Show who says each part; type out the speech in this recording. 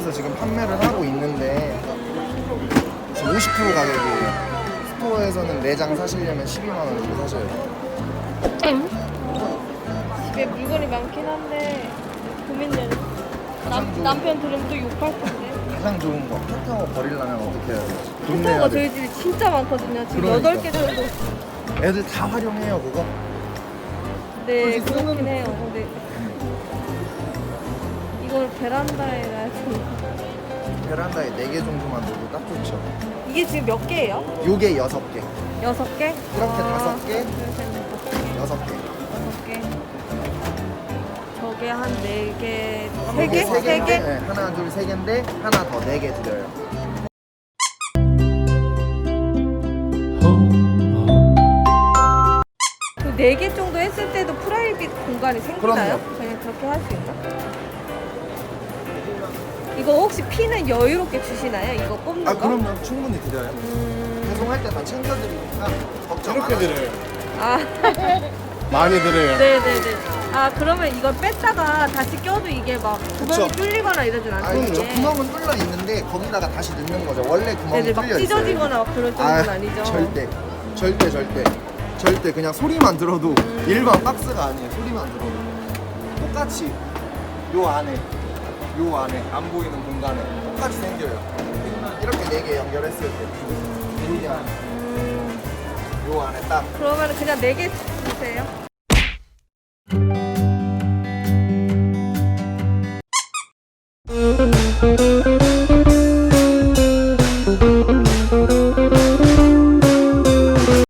Speaker 1: 스토어에서 지금 판매를 하고 있는데 지금 50% 가격이에요. 스토어에서는 4장 사시려면 12만 원 주고 사셔야 돼요.
Speaker 2: 집에 물건이 많긴 한데 고민되네.
Speaker 1: 가장 좋은
Speaker 2: 남편 들으면 또 욕할 텐데.
Speaker 1: 가장 좋은 거 캣타워 버리려면 어떻게 해야 돼요? 돈
Speaker 2: 캣타워가
Speaker 1: 내야
Speaker 2: 저희
Speaker 1: 돼.
Speaker 2: 집에 진짜 많거든요. 지금
Speaker 1: 그러니까.
Speaker 2: 8개 정도.
Speaker 1: 애들 다 활용해요 그거.
Speaker 2: 네,
Speaker 1: 굳이
Speaker 2: 그렇긴
Speaker 1: 쓰는-
Speaker 2: 해요. 근데 이걸 베란다에 놔야지.
Speaker 1: 베란다에 4개 정도만 놓어도 딱 좋죠.
Speaker 2: 이게 지금 몇 개예요?
Speaker 1: 요게 6개,
Speaker 2: 6개?
Speaker 1: 이렇게 5개,
Speaker 2: 6개.
Speaker 1: 6개.
Speaker 2: 6개. 저게 한 4개,
Speaker 1: 이게
Speaker 2: 3개? 3개?
Speaker 1: 네, 하나, 둘, 3개인데 하나 더 4개 드려요.
Speaker 2: 그 4개 정도 했을 때도 프라이빗 공간이 생기나요?
Speaker 1: 그럼요.
Speaker 2: 그냥 그렇게 할 수 있나? 이거 혹시 피는 여유롭게 주시나요? 이거 꼽는
Speaker 1: 아
Speaker 2: 거?
Speaker 1: 그럼요. 충분히 드려요. 배송할 때 다 챙겨드리니까 걱정 안
Speaker 3: 이렇게
Speaker 1: 하셔도
Speaker 3: 드려요.
Speaker 2: 아,
Speaker 3: 많이 드려요.
Speaker 2: 네네네. 아, 그러면 이걸 뺐다가 다시 껴도 이게 막 구멍이
Speaker 1: 그쵸.
Speaker 2: 뚫리거나 이러진
Speaker 1: 아,
Speaker 2: 않죠?
Speaker 1: 저
Speaker 2: 이게?
Speaker 1: 구멍은 뚫려 있는데 거기다가 다시 넣는 거죠. 원래 구멍이
Speaker 2: 네네, 막
Speaker 1: 뚫려 있어요.
Speaker 2: 찢어지거나 막 그럴 정도는 아니죠?
Speaker 1: 절대 그냥 소리만 들어도 일반 박스가 아니에요. 소리만 들어도 똑같이 요 안에 안 보이는 공간에 똑같이 생겨요. 이렇게 4개 연결했을 때 여기 안에 요 안에 딱
Speaker 2: 그러면 그냥 4개 주세요.